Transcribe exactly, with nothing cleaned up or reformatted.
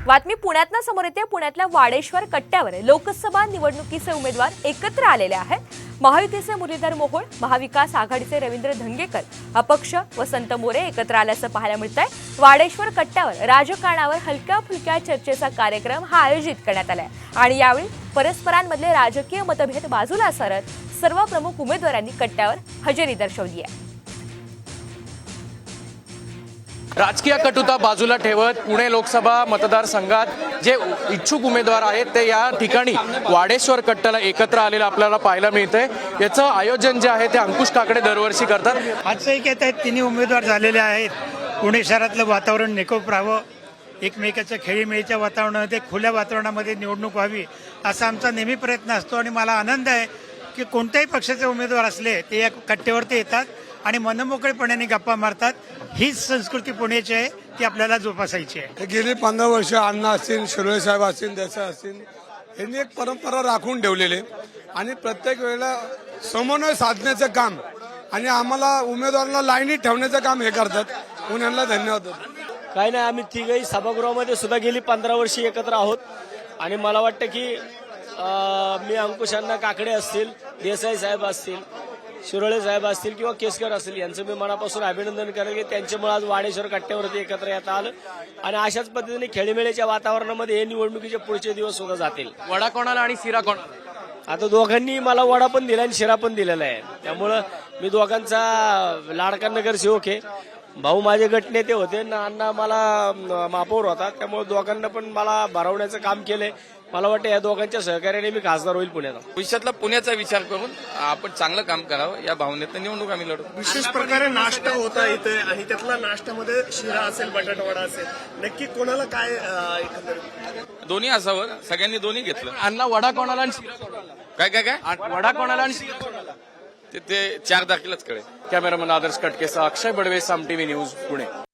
बातमी पुण्यातनं समोर येते। पुण्यातल्या वाडेश्वर कट्ट्यावर लोकसभा निवडणुकीचे उमेदवार एकत्र आलेले आहेत। महायुतीचे मुरलीधर मोहोळ, महाविकास आघाडीचे रवींद्र धंगेकर, अपक्ष वसंत मोरे एकत्र आल्याचं पाहायला मिळतंय। वाडेश्वर कट्ट्यावर राजकारणावर हलक्या फुलक्या चर्चेचा कार्यक्रम हा आयोजित करण्यात आलाय आणि यावेळी परस्परांमधले राजकीय मतभेद बाजूला सारत सर्व प्रमुख उमेदवारांनी कट्ट्यावर हजेरी दर्शवली आहे। राजकीय कटुता बाजूला ठेवत पुणे लोकसभा मतदारसंघात जे इच्छुक उमेदवार आहेत ते या ठिकाणी वाडेश्वर कट्ट्याला एकत्र आलेलं आपल्याला पाहायला मिळतंय। याचं आयोजन जे आहे ते अंकुश काकडे दरवर्षी करतात। आजचं एक येत आहेत, तिन्ही उमेदवार झालेले आहेत। पुणे शहरातलं वातावरण निकोप राहावं, एकमेकाच्या खेळीमेळीच्या वातावरणामध्ये खुल्या वातावरणामध्ये निवडणूक व्हावी असा आमचा नेहमी प्रयत्न असतो आणि मला आनंद आहे की कोणत्याही पक्षाचे उमेदवार असले ते या कट्ट्यावरती येतात आणि मनमोकळेपणाने गप्पा मारतात। हीच संस्कृती पुण्याची आहे, ती आपल्याला जोपासायची आहे। गेली पंधरा वर्ष अण्णा असतील, शिरोळे साहेब असतील, देसाई असतील, यांनी एक परंपरा राखून ठेवलेली आणि प्रत्येक वेळेला समन्वय साधण्याचं काम आणि आम्हाला उमेदवारांना लाईनीत ठेवण्याचं काम हे करतात। म्हणून यांना धन्यवाद। काही नाही, आम्ही तिघही सभागृहामध्ये सुद्धा गेली पंधरा वर्षी एकत्र आहोत आणि मला वाटतं की मी अंकुश अण्णा काकडे असतील, देसाई साहेब असतील, शिरोळे साहेब असतील किंवा केसकर असतील यांचं मी मनापासून अभिनंदन करेन की त्यांच्यामुळे आज वाडेश्वर कट्ट्यावरती एकत्र येता आलं आणि अशाच पद्धतीने खेळीमेळीच्या वातावरणामध्ये हे निवडणुकीचे पुढचे दिवस सुद्धा जातील। वडा कोणाला आणि शिरा कोणाला? आता दोघांनी मला वडा पण दिला आणि शिरा पण दिलेला आहे, त्यामुळं मी दोघांचा लाडका नगरसेवक आहे। भाऊ माझे गटनेते होते ना, अण्णा मला महापौर होता, त्यामुळे दोघांना पण मला भरवण्याचं काम केलंय। मला वाटतं या दोघांच्या सहकार्याने मी खासदार होईल पुण्याचा। भविष्यातला पुण्याचा विचार करून आपण चांगलं काम करावं या भावनेतून निवडणूक आम्ही लढू। विशेष प्रकारे नाश्ता होता इथे आणि त्यातला नाश्त्यामध्ये शिरा असेल, बटाटावडा असेल, नक्की कोणाला काय एकंदरीत दोन्ही असावं, सगळ्यांनी दोन्ही घेतलं। अण्णा वडा कोणाला आणि शिरा कोणाला? काय काय काय वडा कोणाला आणि शिरा कोणाला? ते ते चार तारखेलाच कळेल। कॅमेरामन आदर्श कटकेसह अक्षय बडवे, साम टीव्ही न्यूज, पुणे।